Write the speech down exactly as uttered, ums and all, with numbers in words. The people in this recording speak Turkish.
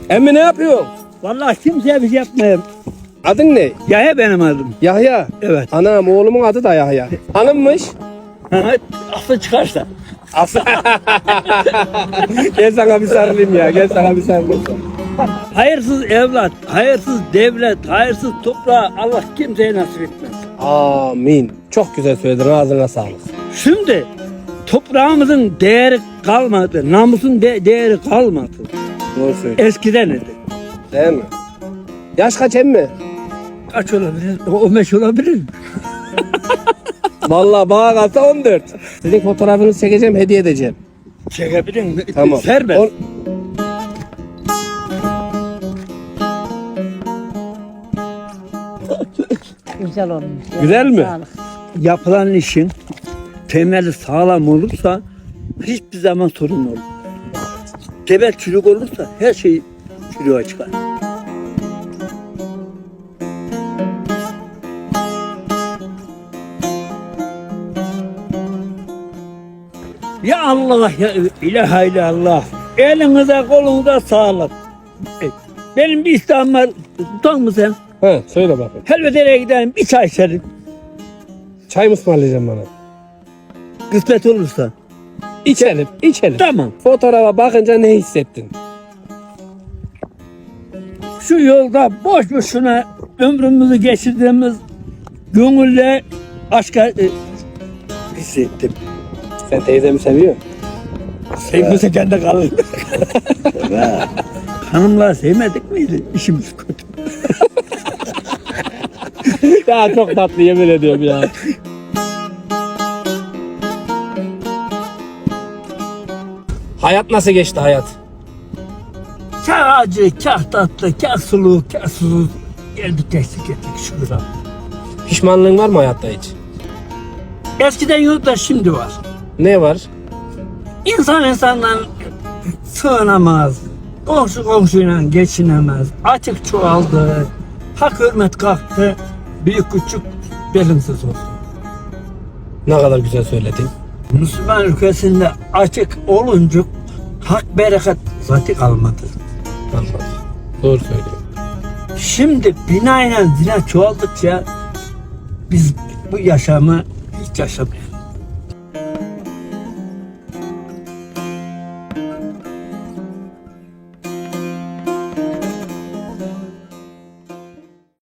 Emmi ne yapıyorsun? Vallahi kimseye bir şey yapmayayım. Adın ne? Yahya benim adım. Yahya. Evet. Anam oğlumun adı da Yahya. Hanımmış. Aklı çıkarsa. Aslı. Gel sana bir sarılayım ya. Gel sana bir sarılayım. Hayırsız evlat, hayırsız devlet, hayırsız toprağı Allah kimseye nasip etmez. Amin. Çok güzel söyledin. Ağzına sağlık. Şimdi toprağımızın değeri kalmadı, namusun de- değeri kalmadı. Doğru söylüyorsun. Eskiden idi. Değil mi? Yaş kaç emmi? Kaç olabilir? on beş olabilir mi? Vallahi bana kalsa on dört. Sizin fotoğrafınızı çekeceğim, hediye edeceğim. Çekebilir mi? Tamam. Serbest. On- Güzel olmuş. Güzel mi? Sağlık. Yapılan işin temeli sağlam olursa hiçbir zaman sorun olmaz. Temel çürük olursa her şey çürüğe çıkar. Ya Allah ya ilahe illallah. Elinize kolunuza sağlık. E, Benim bir isteğim var. Tutar mı sen? He, söyle bakayım. Helvete'ye gidelim bir çay içelim. Çay mı ısmarlayacaksın bana? Kısmet olursa. İçelim, içelim. Tamam. Fotoğrafa bakınca ne hissettin? Şu yolda boş boşuna ömrümüzü geçirdiğimiz gönülle aşka e, hissettim. Sen teyzemi seviyorsun. Sevmese kendi kalır. Hanımlar sevmedik miydi? İşimiz kötü. Ya çok tatlı yemin ediyorum ya. Hayat nasıl geçti hayat? Kâr acı, kâr tatlı, kâr sulu, kâr susuz. Geldik geçtik ettik şükür abi. Pişmanlığın var mı hayatta hiç? Eskiden yok da şimdi var. Ne var? İnsan insandan sığınamaz. Komşu komşuyla geçinemez. Açık çoğaldı. Hak hürmet kalktı. Büyük küçük belimsiz olsun. Ne kadar güzel söyledin. Müslüman ülkesinde açık olunca hak bereket zaten kalmadı. Anladım. Doğru söylüyorsun. Şimdi binayla zina çoğaldıkça biz bu yaşamı hiç yaşamıyoruz.